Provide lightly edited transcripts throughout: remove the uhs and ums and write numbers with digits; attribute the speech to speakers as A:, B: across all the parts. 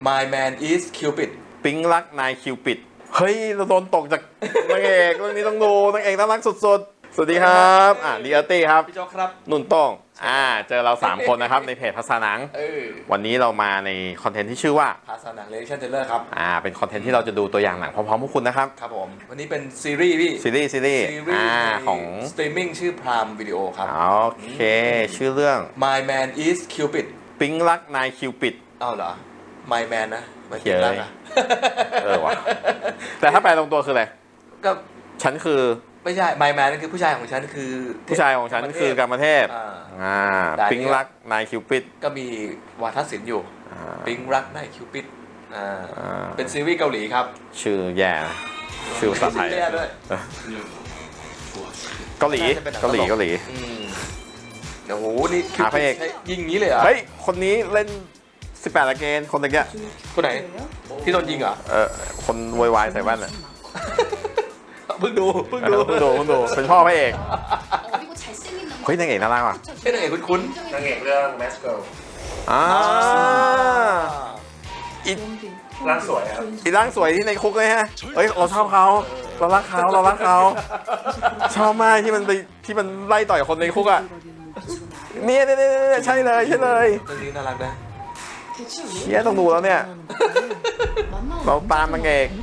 A: My man is Cupid
B: ปิ๊งรักนายคิวปิดเฮ้ยเราโดนตกจากนางเอกเรื่องนี้ต้องดูนางเอกน่ารักสุดๆสวัสดีครับดีอาร์ตี้ครับ
A: พี่โจ๊กครับ
B: นุ่นโต้งเจอเรา3คนนะครับในเพจภาษาหนังวันนี้เรามาในคอนเทนต์ที่ชื่อว่า
A: ภาษาหนัง Reaction Trailer ครับ
B: เป็นคอนเทนต์ที่เราจะดูตัวอย่างหนังพร้อมๆพวกคุณนะครับ
A: ครับผมวันนี้เป็นซีรีส์พี่
B: ซีรีส์ของ
A: สตรีมมิ่งชื่อ Prime Video ครับ
B: โอเคชื่อเรื่อง
A: My man is Cupid
B: ปิ๊งรักนายคิวปิด
A: อ้าวเหรอ My man นะไม่ปิ๊งรักอะ
B: ว่ะแต่ถ้าแปลตรงตัวคืออะไร
A: ก็
B: ฉันคือ
A: ไม่ใช่ My man นั่นคือผู้ชายของฉันคือ
B: ผู้ชายของฉันคือกรรมเทพปิ๊งรักนายคิวปิด
A: ก็มีวาทศิลป์อยู่ปิ๊งรักนายคิวปิดเป็นซีรีส์เกาหลีครับ
B: ชื่อแย่ชื่อภาษาไทยเกาหลีโ
A: อ้โหนี่
B: พระเอก
A: ยิงงี้เลยเหรอ
B: เฮ้ยคนนี้เล่น18ละเกณฑ์คนตะเกีย
A: คนไหนที่โดนยิงเหรอ
B: คนวายใส่แว่นอ่ะ
A: เพิ่งดู
B: เป็นพ่อพระเอกเฮ้ยนางเอกน่ารักว่ะ
A: นางเอกคุ้น
C: นางเอกเรื่อง Mask Girl ร่างสวยครับ
B: ร่างสวยที่ในคุกเลยฮะเฮ้ยเราชอบเขาเรารักเขาชอบมากที่มันไล่ต่อยคนในคุกอ่ะเนี่ยใช่เลย
A: เรื่องนี้น่ารักนะ
B: เชี่ยต้องดูแล้วเนี่ยเราตามนางเอก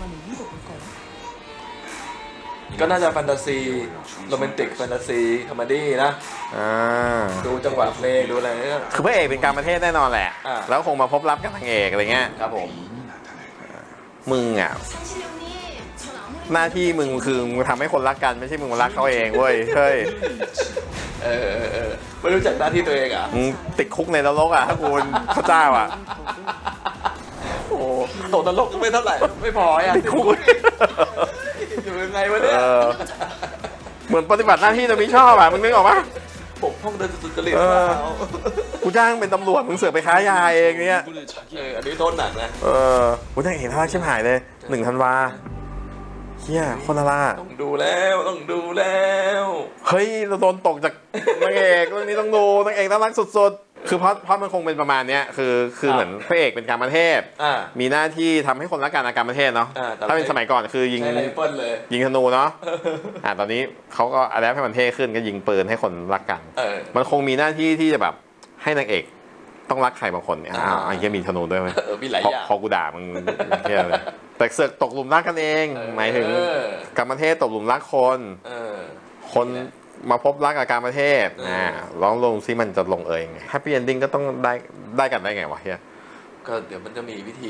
A: ก็น่าจะแฟนตาซีโรแมนติกแฟนตาซีคอมเมดี้นะดูจังหวะเพลงดูอะไรเนี่ย
B: คือพระเอกเป็นการประเทศแน่นอนแหละแล้วคงมาพบรักกับนางเอกอะไรเงี้ย
A: ครับผม
B: มึงอ่ะหน้าที่มึงคือมึงทำให้คนรักกันไม่ใช่มึงมารักเขาเองเว้ยเฮ้ย
A: ไม่รู้จักหน้าที่ตัวเองอ่ะ
B: มึงติดคุกในนรกอ่ะถ้ากูเป็นพระเจ้าอ่ะ
A: โอ้โหนรกไม่เท่าไหร่ไม่พออ่ะ
B: ติดคุก
A: อยู่ยังไงวะเนี่ย
B: เหมือนปฏิบัติหน้าที่แต่ไม่ชอบอ่ะมึงนึกออกปะ
A: ปกป้องโดยสุจริต
B: กูจ้างเป็นตำรวจมึงเสือกไปค้ายาเองเนี่ย
A: อันนี้โทษหนักนะ
B: กูจ้างเห็นท่าชิบหายเลย1 ธันวาเฮียคนละ
A: ต้องดูแล้ว
B: เฮ้ยเราโดนตกจากนางเอกเรื่องนี้ต้องดูนางเอกน่ารักสุดๆคือเพราะมันคงเป็นประมาณนี้คือเหมือนพระเอกเป็นการประเทศมีหน้าที่ทำให้คนรักกันอาการประเทศเนาะถ้าเป็นสมัยก่อนคือยิงธนูเนาะตอนนี้เขาก็อะไรให้มันเท่ขึ้นก็ยิงปืนให้คนรักกันมันคงมีหน้าที่ที่จะแบบให้นางเอกต้องรักใครบางคนเนี่ยไอ้เหี้ยมีธนูด้วยไหม
A: มีหลายอย่าง
B: พอกูด่ามึงเหี้ยเลยแต่เสือกตกหลุมรักกันเองหมายถึงการประเทศตกหลุมรักคนมาพบรักกับการประเทศลองลงซิมันจะลงเองแฮปปี้เอนดิ้งก็ต้องได้กันได้ไงวะเฮีย
A: ก็เดี๋ยวมันจะมีวิธี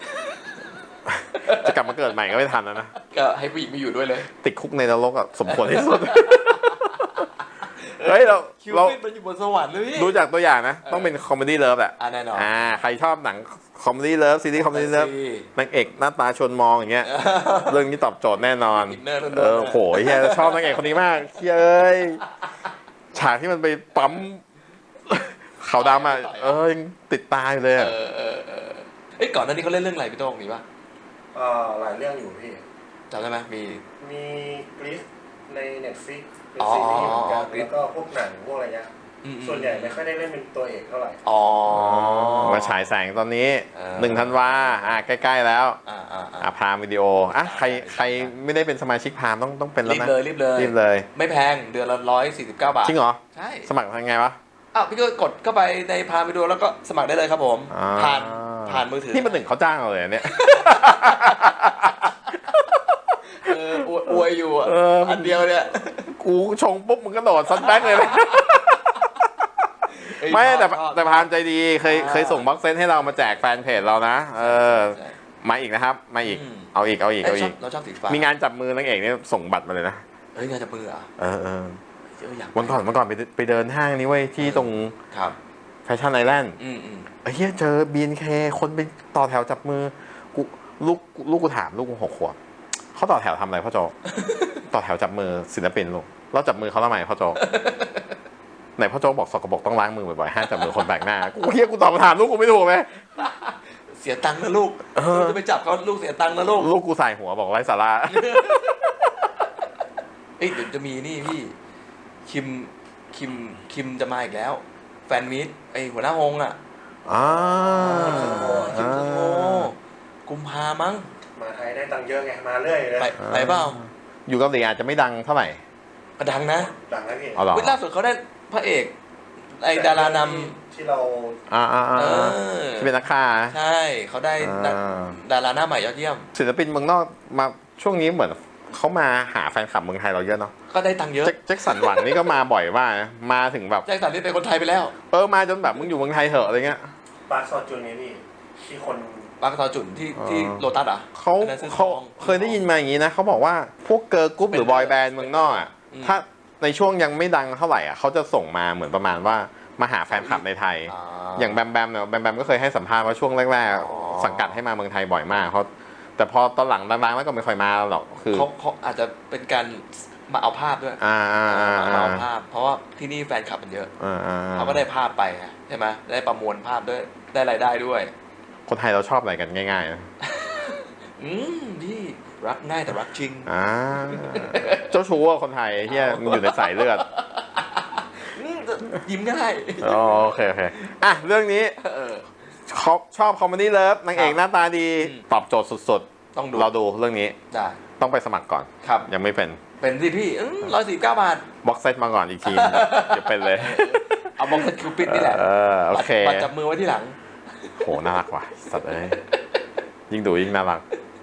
B: จะกลับมาเกิดใหม่ก็ไม่ทันแล้วนะ
A: ก็ให้ผู้หญิงมาอยู่ด้วยเลย
B: ติดคุกในนรกอ่ะสมควรที่สุดเฮ้ยเรา
A: มันอยู่บนสวรรค์เลย
B: ดูจากตัวอย่างนะต้องเป็นคอมเมดี้เลิฟแหละ
A: แน่นอน
B: ใครชอบหนังคอมเมดี้เลิฟซีรีส์คอมเมดี้เลิฟนางเอกหน้าตาชวนมองอย่างเงี้ยเรื่องนี้ตอบโจทย์แน่นอนโหยเฮียชอบนางเอกคนนี้มากเฮ้ยฉากที่มันไปปั๊มขาวดำอ่ะยังติดตาอยู่เลย
A: ก่อนหน้านี้เขาเล่นเรื่องอะไรพี่โต้งมีป่ะ
C: หลายเรื่องอยู่พี่
A: จำได้ไหม
C: มีกรีซใน Netflix เป็นซีรีส์เหมือนกันแล้วก็พวกหนังพวกอะไรเงี้ยส่วนใหญ่ไม่ค่อยได้เล่นเป็นตัวเอกเท่าไหร่
B: มาฉายแสงตอนนี้1 ธันวาใกล้ๆแล้วพรามวิดีโอใครไม่ได้เป็นสมาชิกพรามต้องเป็นแล้วนะ
A: รีบเลยไม่แพงเดือนละ149 บาท
B: จริงเหรอ
A: ใช่
B: สมัครทางไงวะ
A: พี่ก็กดเข้าไปในพรามวิดีโอแล้วก็สมัครได้เลยครับผมผ่านมือถือ
B: นี่มัน1เขาจ้างเราเลยเนี่ย
A: อวยอยู่อันเดียวเนี่ย
B: กูชงปุ๊บมึงก็โดดซัดแบ็กเลยไม่แต่พานใจดีเคยส่งบ็อกเซตให้เรามาแจกแฟนเพจเรานะมาอีกนะครับมาอีกเอาอีก
A: เราชอบสีฟ้า
B: มีงานจับมือนางเอกนี่ส่งบัตรมาเลยนะ
A: งานจับมือ
B: วันก่อนไปเดินห้างนี้ไว้ที่ตรงแฟชั่นไอแลนด์เฮียเจอ BNK คนไปต่อแถวจับมือลูกกูถามลูกกู6 ขวบเขาต่อแถวทำอะไรพ่อโจต่อแถวจับมือศิลปินลูกเราจับมือเขาทำไมพ่อโจไหนพ่อโจบอกสกปรกต้องล้างมือบ่อยๆห้ามจับมือคนแปลกหน้ากูเฮียกูตอบคำถามลูกกูไม่ถูกไหม
A: เสียตังค์นะลูกจะไปจับเขาลูกเสียตังค์นะลูก
B: กูใส่หัวบอกไร้สาระ
A: เดี๋ยวจะมีนี่พี่คิมจะมาอีกแล้วแฟนมิตหัวหน้าฮงอ่ะคิวสโตกุมภามั้ง
C: มาไทยได้ตังค์เยอะไงมาเรื่อยเลย
A: ไปเปล่า
B: อยู่เกาหลีอาจจะไม่ดังเท่าไหร่
A: ก็ดังนะ
C: ดังนะพี่
B: เอาหรอ
A: ล่าสุดเขาได้พระเอกไอดารานำ
C: ที่เรา
B: ที่เป็นนักฆ่า
A: ใช่เขาได้ดาราหน้าใหม่ยอดเยี่ยม
B: ศิลปินเมืองนอกมาช่วงนี้เหมือนเขามาหาแฟนคลับเมืองไทยเราเยอะเนาะ
A: ก็ได้ตังค์เยอะ
B: แจ็คสันหวังนี่ก็มาบ่อยมากนะมาถึงแบบ
A: แจ็คสันนี่เป็นคนไทยไปแล้ว
B: มาจนแบบมึงอยู่เมืองไทยเถอะอะไรเงี้ย
C: ปาร์คซอจุนไงพี่ที่คน
A: บางซอจุนที่โลตัสอ่ะ
B: เขาเคยได้ยินมาอย่างนี้นะเขาบอกว่าพวกเกิร์ลกรุ๊ปหรือบอยแบนด์เมืองนอกอ่ะถ้าในช่วงยังไม่ดังเท่าไหร่อ่ะเขาจะส่งมาเหมือนประมาณว่ามาหาแฟนคลับในไทย อย่างแบมแบมเนี่ยแบมแบมก็เคยให้สัมภาษณ์ว่าช่วงแรกๆสังกัดให้มาเมืองไทยบ่อยมากเขาแต่พอตอนหลังดังๆแล้วก็ไม่ค่อยมาหรอกคือ
A: เขาอาจจะเป็นการมาเอาภาพด้วยมาเอาภาพ เพราะว่าที่นี่แฟนคลับมันเยอะเขาก็ได้ภาพไปใช่ไหมได้ประมวลภาพด้วยได้รายได้ด้วย
B: คนไทยเราชอบอะไรกันง่ายๆนะ
A: นี่รักง่ายแต่รักจริง
B: เจ้าชู้อะคนไทยเฮียมันอยู่ในสายเลือด
A: ยิ้มง่าย
B: โอเคอ่ะเรื่องนี้ชอบคอมเมดี้เลิฟนางเอกหน้าตาดีตอบโจทย์สุดๆ
A: ต้องดู
B: เราดูเรื่องนี้
A: ได้
B: ต้องไปสมัครก่อน
A: ครับ
B: ยังไม่เป็น
A: สิพี่149 บาท
B: บ็อกเซตมาก่อนอีกทีจะเป็นเลย
A: เอาบ็อกเซตคิวปิดนี่แหละ
B: โอเค
A: บัตรจับมือไว้ที่หลัง
B: โหน่ารักว่ะสัตว์เอ้ยยิ่งดูยิ่งน่ารัก